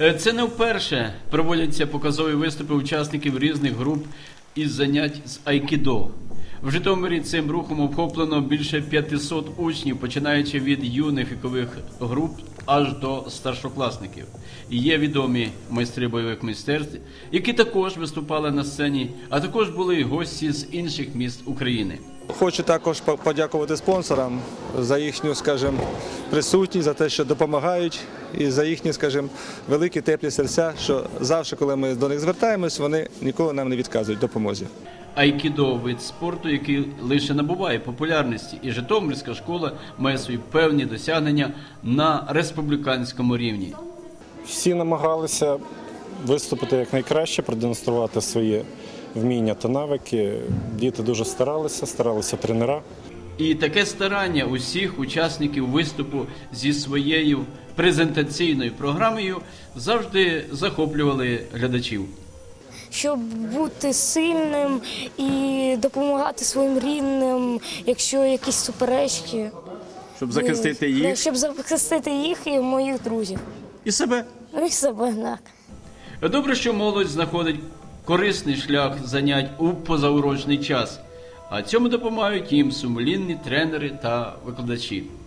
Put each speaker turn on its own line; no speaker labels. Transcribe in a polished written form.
Це не вперше проводяться показові виступи учасників різних груп із занять з айкідо. В Житомирі цим рухом охоплено більше 500 учнів, починаючи від юних вікових груп аж до старшокласників. І є відомі майстри бойових мистецтв, які також виступали на сцені, а також були і гості з інших міст України.
Хочу також подякувати спонсорам за їхню, присутність, за те, що допомагають, і за їхні, великі теплі серця, що завжди, коли ми до них звертаємось, вони ніколи нам не відказують в допомозі.
Айкідо – вид спорту, який лише набуває популярності, і Житомирська школа має свої певні досягнення на республіканському рівні.
Всі намагалися виступити якнайкраще, продемонструвати свої вміння та навики. Діти дуже старалися тренера.
І таке старання усіх учасників виступу зі своєю презентаційною програмою завжди захоплювали глядачів.
Щоб бути сильним і допомагати своїм рідним, якщо якісь суперечки.
Щоб захистити їх?
Щоб захистити їх і моїх друзів.
І себе?
І себе, так.
Добре, що молодь знаходить корисний шлях занять у позаурочний час, а цьому допомагають їм сумлінні тренери та викладачі.